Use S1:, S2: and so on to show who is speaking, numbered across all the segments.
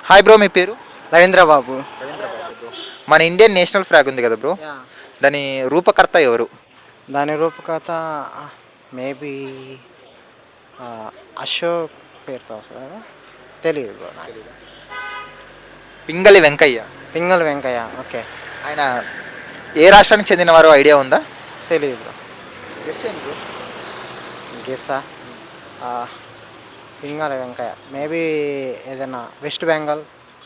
S1: Hi bro, మీ పేరు?
S2: రవీంద్ర బాబు.
S1: మన ఇండియన్ నేషనల్ ఫ్లాగ్ ఉంది కదా బ్రో,
S2: యా.
S1: దాని రూపకర్త ఎవరు?
S2: దాని రూపకథ మేబీ అశోక్ పేరుతో వస్తుంది కదా, తెలియదు బ్రో నాకు.
S1: పింగళి వెంకయ్య.
S2: పింగళి వెంకయ్య, ఓకే.
S1: ఆయన ఏ రాష్ట్రానికి చెందినవారో ఐడియా ఉందా?
S2: తెలియదు బ్రో. గెస్సా పింగళి వెంకయ్య మేబీ ఏదైనా వెస్ట్ బెంగాల్.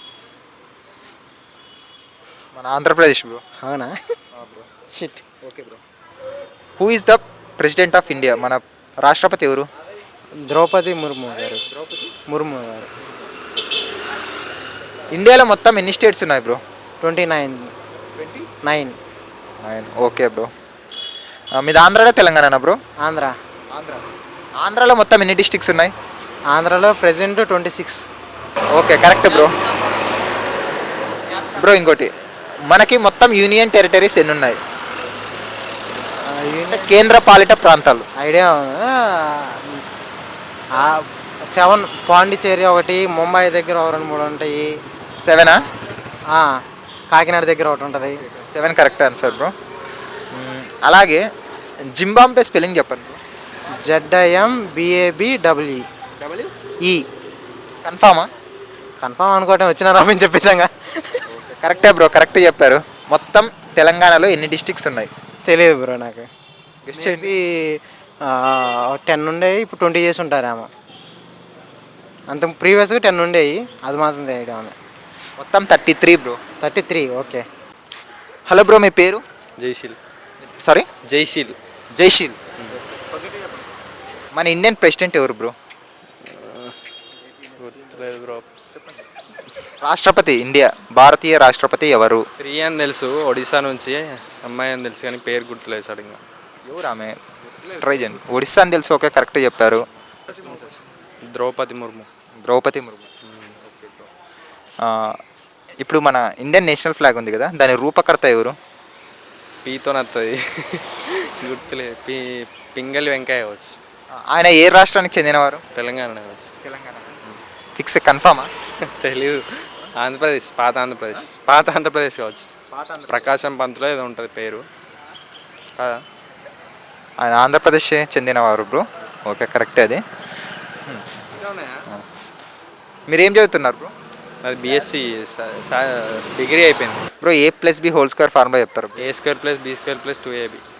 S1: మన ఆంధ్రప్రదేశ్ బ్రో.
S2: అవునా?
S1: Bro.
S2: Shit.
S1: Okay bro. Who is the president of India? మన రాష్ట్రపతి ఎవరు?
S2: ద్రౌపది ముర్ము గారు. ముర్ము గారు.
S1: ఇండియాలో మొత్తం ఎన్ని స్టేట్స్ ఉన్నాయి బ్రో?
S2: 29.
S1: Okay bro. మీది ఆంధ్రాలో తెలంగాణ బ్రో?
S2: ఆంధ్ర.
S1: ఆంధ్రాలో మొత్తం ఎన్ని డిస్ట్రిక్ట్స్ ఉన్నాయి?
S2: ఆంధ్రాలో present 26.
S1: Okay, correct bro. Bro ఇంకోటి, మనకి మొత్తం యూనియన్ టెరిటరీస్ ఎన్ని ఉన్నాయి? కేంద్ర పాలిత ప్రాంతాలు.
S2: ఐడియా 7. పాండిచేరి ఒకటి, ముంబై దగ్గర ఒక 2-3 ఉంటాయి.
S1: 7ఆ?
S2: కాకినాడ దగ్గర ఒకటి ఉంటుంది.
S1: 7 కరెక్ట్ ఆన్సర్ బ్రో. అలాగే జింబాబ్వే స్పెల్లింగ్ చెప్పండి బ్రో.
S2: ZIMBABWE.
S1: కన్ఫామా?
S2: కన్ఫామ్ అనుకోవటం వచ్చిన రామని చెప్పేసాగా.
S1: కరెక్టే బ్రో, కరెక్ట్ చెప్పారు. మొత్తం తెలంగాణలో ఎన్ని డిస్ట్రిక్ట్స్ ఉన్నాయి?
S2: తెలియదు బ్రో నాకు.
S1: గెస్ట్ చేయండి.
S2: 10 ఉండేవి, ఇప్పుడు 20 చేసి ఉంటారేమో. అంత ప్రీవియస్గా 10 ఉండేవి, అది మాత్రం ఐడియా ఉంది.
S1: మొత్తం 33 బ్రో.
S2: 33, ఓకే.
S1: హలో బ్రో, మీ పేరు?
S3: జైశీల్.
S1: సారీ?
S3: జైశీల్.
S1: జైశీల్. మన ఇండియన్ ప్రెసిడెంట్ ఎవరు బ్రో?
S3: గుర్తులేదు బ్రో.
S1: రాష్ట్రపతి, ఇండియా భారతీయ రాష్ట్రపతి ఎవరు?
S3: స్త్రీ అని తెలుసు, ఒడిశా నుంచి. అమ్మాయి అని తెలుసు కానీ పేరు గుర్తులేదు సడన్గా.
S1: ఎవరు ఆమె? ట్రై చేయండి. ఒడిస్సా అని తెలుసు, ఓకే కరెక్ట్ చెప్పారు.
S3: ద్రౌపది ముర్ము.
S1: ద్రౌపది ముర్ము. ఇప్పుడు మన ఇండియన్ నేషనల్ ఫ్లాగ్ ఉంది కదా, దాని రూపకర్త ఎవరు?
S3: పీతో నత్తది. గుర్తులేదు. పింగళి వెంకయ్య కావచ్చు.
S1: ఆయన ఏ రాష్ట్రానికి చెందినవారు?
S3: తెలంగాణ కావచ్చు.
S1: తెలంగాణ. ఫిక్స్, కన్ఫామా?
S3: తెలీదు. ఆంధ్రప్రదేశ్. పాత ఆంధ్రప్రదేశ్ కావచ్చు. ప్రకాశం పంతులో ఏదో ఉంటుంది పేరు కదా.
S1: ఆయన ఆంధ్రప్రదేశ్ చెందినవారు బ్రో, ఓకే కరెక్టే అది. మీరేం చదువుతున్నారు బ్రో?
S3: అది బీఎస్సీ డిగ్రీ అయిపోయింది
S1: bro. A+B whole square formula చెప్తారు?
S3: A² + B² + 2AB.